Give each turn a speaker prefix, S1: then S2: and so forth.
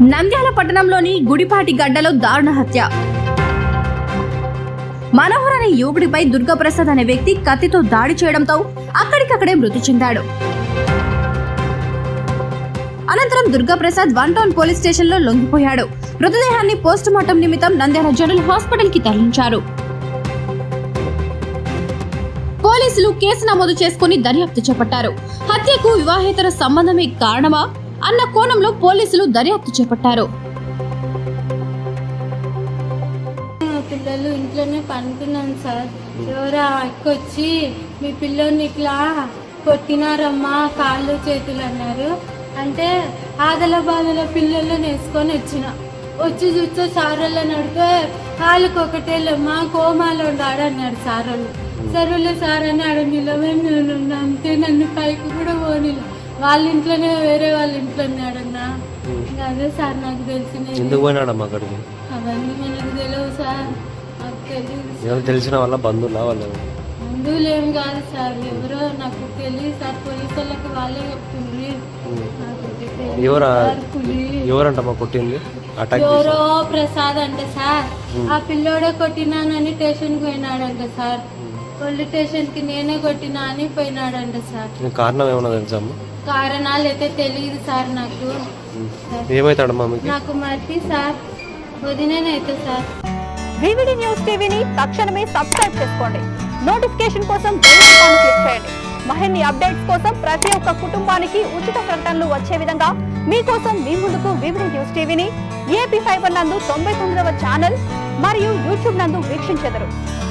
S1: నంద్యాల పట్టణంలోని గుడిపాటి గడ్డలో దారుణ హత్య. మనోహర్ అనే యువకుడిపై దుర్గాప్రసాద్ అనే వ్యక్తి కత్తితో దాడి చేయడంతో అక్కడికక్కడే మృతి చెందాడు. అనంతరం దుర్గాప్రసాద్ 1 టౌన్ పోలీస్ స్టేషన్ లో లొంగిపోయాడు. మృతదేహాన్ని పోస్టుమార్టం నిమిత్తం నంద్యాల జనరల్ హాస్పిటల్ కి తరలించారు. పోలీసులు కేసు నమోదు చేసుకుని దర్యాప్తు చేపట్టారు. హత్యకు వివాహేతర సంబంధమే కారణమా అన్న కోణంలో పోలీసులు దర్యాప్తు చేపట్టారు.
S2: పిల్లలు ఇంట్లోనే పనుకున్నాను సార్. ఎవరో వచ్చి మీ పిల్లల్ని ఇట్లా కొట్టినారమ్మా కాళ్ళు చేతులు అన్నారు. అంటే ఆదల బాధల పిల్లలను వేసుకొని వచ్చి చూస్తే సారోళ్ళని అడిగితే వాళ్ళకి ఒకటేళ్ళమ్మా కోమాలో ఆడన్నాడు సారోళ్ళు. సరేలే సార్ అని ఆడ నిలబడి నేను అంతే, నన్ను పైకి కూడా పోనీలు. వాళ్ళ ఇంట్లోనే వేరే వాళ్ళ ఇంట్లోనే ఆడన్నా. అదే సార్ నాకు తెలిసిన అవన్నీ మనకు తెలియదు సార్. నాకు తెలియదు.
S3: తెలిసిన వాళ్ళ బంధువులా
S2: బంధువులు ఏం కాదు సార్, ఎవరో నాకు తెలియదు సార్. పోలీసు వాళ్ళకి వాళ్ళే చెప్తుండ్రి.
S3: ఎవరంటమ్మా కొట్టింది?
S2: ఎవరో ప్రసాద్ అంట సార్. ఆ పిల్లోడే కొట్టినానని స్టేషన్కి పోయినాడంట సార్. పోలీస్ స్టేషన్ కి నేనే కొట్టినా అని పోయినాడంట సార్.
S3: కారణం ఏమన్నా తెలుసా?
S2: కారణాలు అయితే తెలియదు సార్. నాకు
S3: ఏమైతాడమ్మా?
S2: నాకు మర్చి సార్ వదినేనైతే సార్.
S1: వివిడి న్యూస్ టీవీని తక్షణమే సబ్స్క్రైబ్ చేసుకోండి. నోటిఫికేషన్ కోసం బెల్ ఐకాన్ క్లిక్ చేయండి. మరిన్ని అప్డేట్స్ కోసం ప్రతి ఒక్క కుటుంబానికి ఉచిత ప్రకటనలు వచ్చే విధంగా మీకోసం మీ ముందుకు వివిడి న్యూస్ టీవీని AP ఫైబర్ నందు 99వ ఛానల్ మరియు యూట్యూబ్ నందు వీక్షించెదరు.